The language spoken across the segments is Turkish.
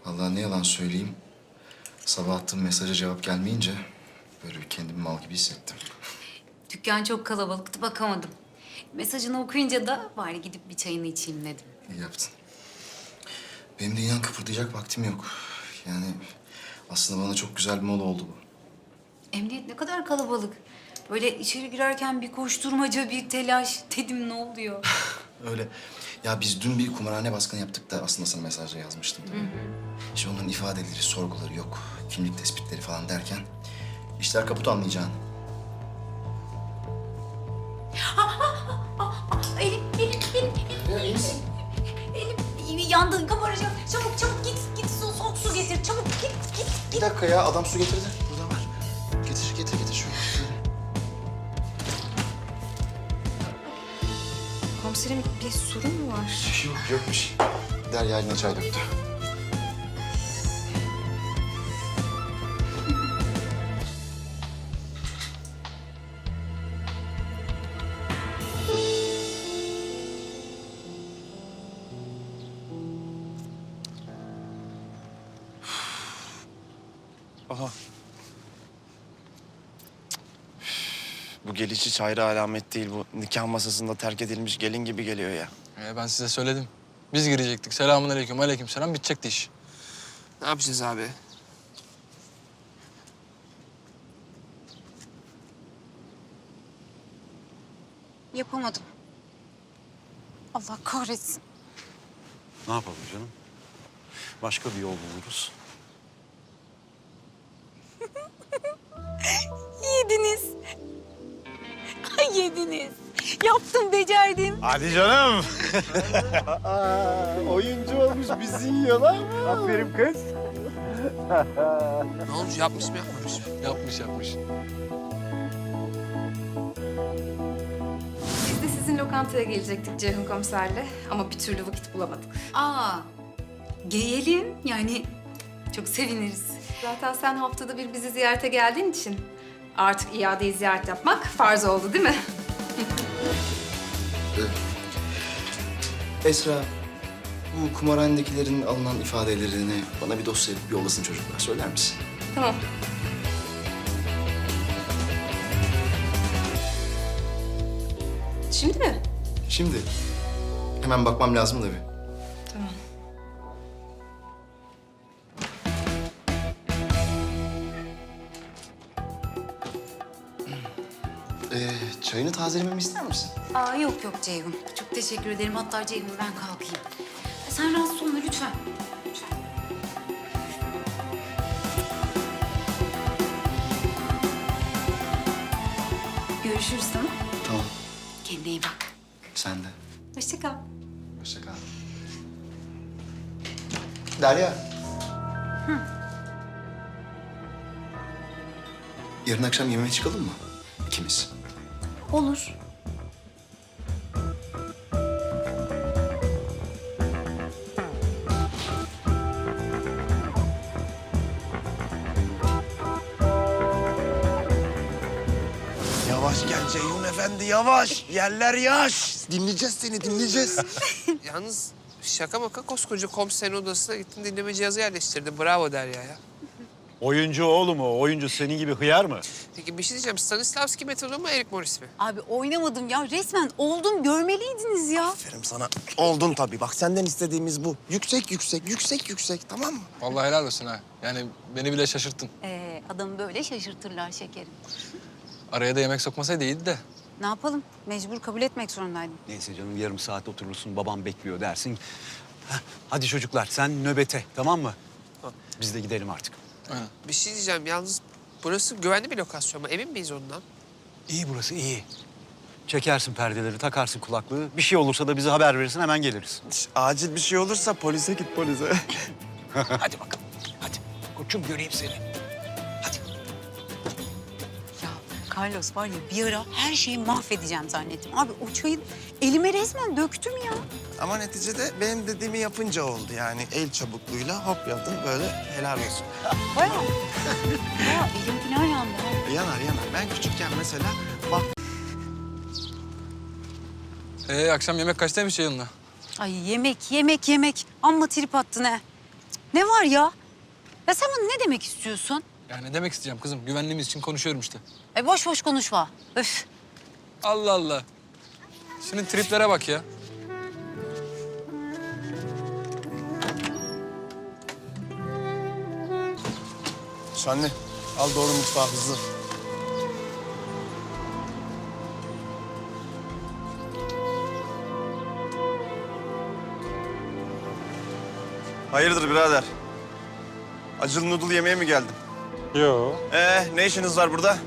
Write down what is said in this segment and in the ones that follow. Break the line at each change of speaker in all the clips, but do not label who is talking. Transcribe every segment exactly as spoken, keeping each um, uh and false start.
Vallahi ne yalan söyleyeyim. Sabah attığım mesaja cevap gelmeyince böyle bir kendimi mal gibi hissettim.
Dükkan çok kalabalıktı, bakamadım. Mesajını okuyunca da bari gidip bir çayını içeyim dedim.
İyi yaptın. Benim de inan kıpırdayacak vaktim yok. Yani aslında bana çok güzel bir mola oldu bu.
Emniyet ne kadar kalabalık. Böyle içeri girerken bir koşturmaca, bir telaş. Dedim ne oluyor?
Öyle. Ya biz dün bir kumarhane baskını yaptık da aslında sana mesajla yazmıştım. Değil mi? İşte onların ifadeleri, sorguları yok. Kimlik tespitleri falan derken işler kaput anlayacağın.
Elim, elim, elim,
Ya iyi misin?
elim yandı, kabaracak. Çabuk, çabuk git, git su, soğuk su getir. Çabuk git, git.
Bir dakika ya adam su getirdi. Burada var. Getir getir getir şöyle.
Komiserim bir sorun mu var?
Yok yokmuş. Derya eline çay döktü.
Aha. Bu geliş hiç hayra alamet değil. Bu nikah masasında terk edilmiş gelin gibi geliyor ya.
Ee, ben size söyledim. Biz girecektik. Selamun aleyküm, aleyküm selam. Bitecekti iş.
Ne yapacağız abi?
Yapamadım. Allah kahretsin.
Ne yapalım canım? Başka bir yol buluruz.
Yediniz. Ay yediniz. Yaptım, becerdim.
Hadi canım. Oyuncu olmuş bizi yiyorlar mı? Aferin kız.
Ne olmuş? Yapmış mı yapmamış mı?
Yapmış yapmış.
Biz de sizin lokantaya gelecektik Ceyhun komiserle ama bir türlü vakit bulamadık.
Aa, gelelim. Yani çok seviniriz.
Zaten sen haftada bir bizi ziyarete geldiğin için artık iadeyi ziyaret yapmak farz oldu değil mi?
Esra, bu kumarhanedekilerin alınan ifadelerini bana bir dosya yapıp yollasın çocuklar. Söyler misin?
Tamam. Şimdi mi?
Şimdi. Hemen bakmam lazım da bir.
Tamam.
Ee, çayını tazelememi ister misin?
Aa yok yok Ceyhun. Çok teşekkür ederim. Hatta Ceyhun ben kalkayım. Sen rahatsız olma lütfen. Lütfen. Görüşürüz tamam.
Tamam.
Kendine iyi bak.
Sen de.
Hoşça kal.
Hoşça kal. Derya. Yarın akşam yemeğe çıkalım mı? İkimiz.
Olur.
Yavaş gel Ceyhun Efendi yavaş. Yerler yaş. Dinleyeceğiz seni dinleyeceğiz.
Yalnız şaka maka koskoca komiserin odasına gittin dinleme cihazı yerleştirdin. Bravo Derya ya.
Oyuncu oğlum o. Oyuncu senin gibi hıyar mı?
Peki bir şey diyeceğim. Stanislavski metodu mu Erik Morris mi?
Abi oynamadım ya. Resmen oldum. Görmeliydiniz ya.
Aferin sana. Oldun tabii. Bak senden istediğimiz bu. Yüksek yüksek yüksek yüksek tamam mı?
Vallahi helal olsun ha. Yani beni bile şaşırttın.
Ee, adamı böyle şaşırtırlar şekerim.
Araya da yemek sokmasaydı iyiydi de.
Ne yapalım? Mecbur kabul etmek zorundaydım.
Neyse canım yarım saat oturursun babam bekliyor dersin. Heh, hadi çocuklar sen nöbete tamam mı? Biz de gidelim artık.
Aynen.
Bir şey diyeceğim. Yalnız burası güvenli bir lokasyon mu? Emin miyiz ondan?
İyi burası iyi. Çekersin perdeleri, takarsın kulaklığı. Bir şey olursa da bize haber verirsin hemen geliriz.
Acil bir şey olursa polise git polise.
Hadi bakalım. Hadi. Koçum göreyim seni. Hadi.
Ya Carlos var ya bir ara her şeyi mahvedeceğim zannettim. Abi o çayı elime resmen döktüm ya.
Ama neticede benim dediğimi yapınca oldu yani. El çabukluğuyla hop yaptım böyle helal olsun.
Bayağı. Bayağı elim falan yandı. ha.
Yanar yanar. Ben küçükken mesela bak
Ee, akşam yemek kaçtaymış yayınla?
Ay yemek, yemek, yemek. Amma trip attın he. Cık, Ne var ya? Ya sen bana ne demek istiyorsun?
Ya ne demek isteyeceğim kızım? Güvenliğimiz için konuşuyorum işte.
E boş boş konuşma. Öf.
Allah Allah. Senin triplere bak ya.
Şanlı al doğru mutfağa hızlı. Hayırdır birader? Acılı noodle yemeye mi geldin?
Yo.
Ee, ne işiniz var burada?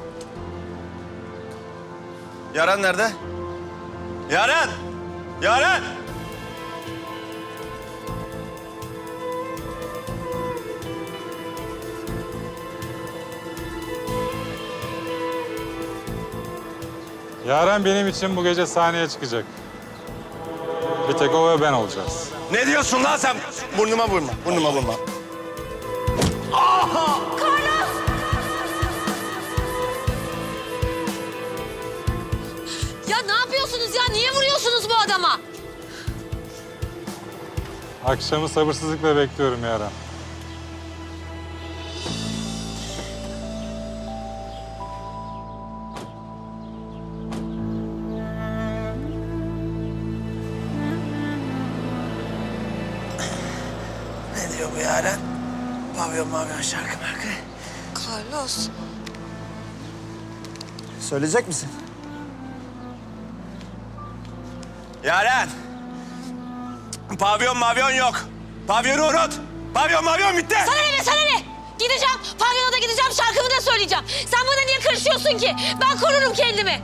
Yaren nerede? Yaren! Yaren!
Yaren benim için bu gece sahneye çıkacak. Bir tek o ve ben olacağız.
Ne diyorsun lan sen? Burnuma vurma, burnuma vurma.
Ya ne yapıyorsunuz ya? Niye vuruyorsunuz bu adama?
Akşamı sabırsızlıkla bekliyorum Yaren.
Ne diyor bu Yaren? Pavyon mavyon şarkı markı.
Carlos.
Söyleyecek misin? Yaren! Pavyon mavyon yok. Pavyonu unut. Pavyon mavyon bitti.
Sana ne be, sana ne? Gideceğim, pavyona da gideceğim, şarkımı da söyleyeceğim. Sen bana niye karışıyorsun ki? Ben korurum kendimi.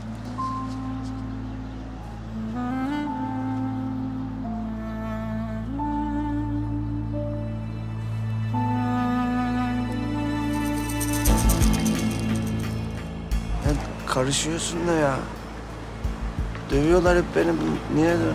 Ya karışıyorsun da ya. Dövüyorlar hep beni. Niye de?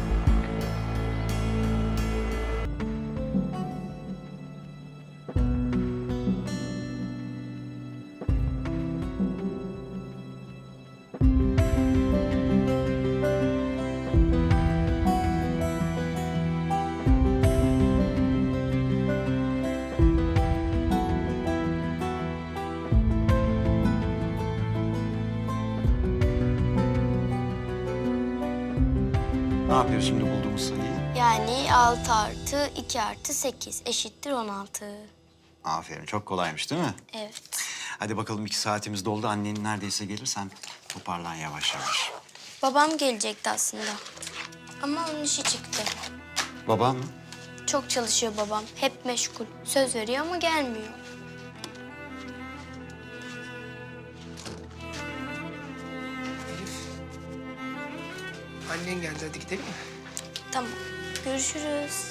Ne yapıyor şimdi bulduğumuz sayıyı?
Yani altı artı iki artı sekiz eşittir on altı.
Aferin, çok kolaymış değil mi?
Evet.
Hadi bakalım iki saatimiz doldu. Annen neredeyse gelir, sen toparlan yavaş yavaş.
Babam gelecekti aslında. Ama onun işi çıktı.
Babam mı?
Çok çalışıyor babam. Hep meşgul. Söz veriyor ama gelmiyor.
Annen geldi, hadi gidelim mi?
Tamam. Görüşürüz.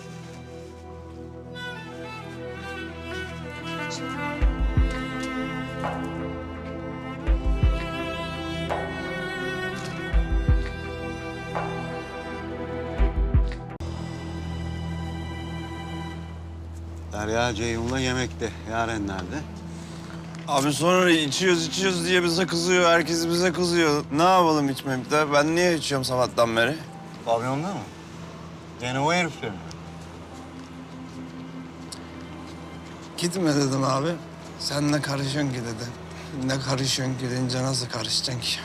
Derya Ceyhun'la yemekte. Yaren nerede?
Abi sonra içiyoruz içiyoruz diye bize kızıyor. Herkes bize kızıyor. Ne yapalım içmeyip de? Ben niye içiyorum sabahtan beri?
Pavyonda mı? Gene o herifle mi?
Gitme dedim abi. Sen ne karışıyorsun ki dedi. Ne karışıyorsun ki deyince nasıl karışacaksın ki?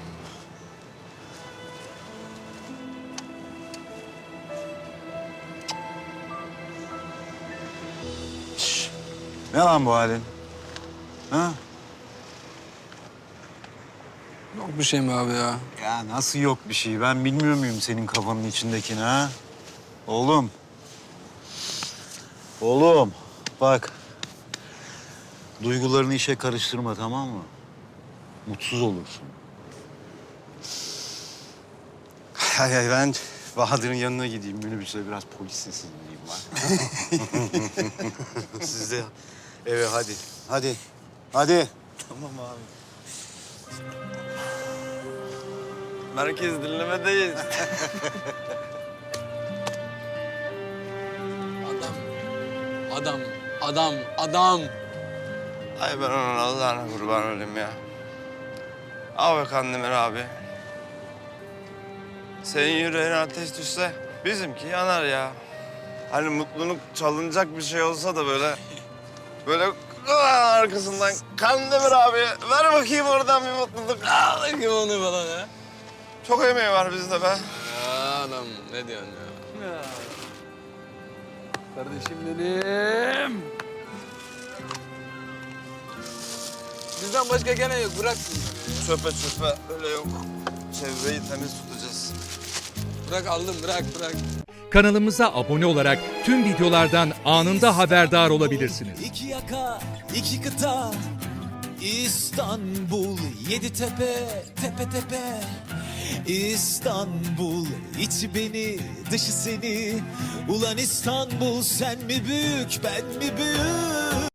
Ne lan bu halin? Ha?
Yok bir şey mi abi ya?
Ya nasıl yok bir şey? Ben bilmiyor muyum senin kafanın içindekini ha? Oğlum. Oğlum bak. Duygularını işe karıştırma, tamam mı? Mutsuz olursun. Hay hay, ben Bahadır'ın yanına gideyim. Minibüse biraz polis sesi dinleyeyim ben. Siz de eve hadi. Hadi. Hadi.
Tamam abi. Merkez dinlemedeyiz.
Adam, adam, adam, adam.
Ay ben onun Allah'ına kurban olayım ya. Al be Kandemir abi. Senin yüreğine ateş düşse bizimki yanar ya. Hani mutluluk çalınacak bir şey olsa da böyle... Böyle aa, arkasından Kandemir abi ver bakayım oradan bir mutluluk.
Al bakayım onu falan ha.
Çok emeği var bizde be.
Ya adam ne diyorsun ya? ya. Kardeşim benim. Bizden başka gene yok bırak.
Çöpe çöpe öyle yok. Çevreyi temiz tutacağız.
Bırak aldım bırak bırak.
Kanalımıza abone olarak tüm videolardan anında haberdar olabilirsiniz.
İki yaka, iki kıta, İstanbul, yedi tepe, tepe tepe. İstanbul, içi beni, dışı seni. Ulan İstanbul, sen mi büyük, ben mi büyük?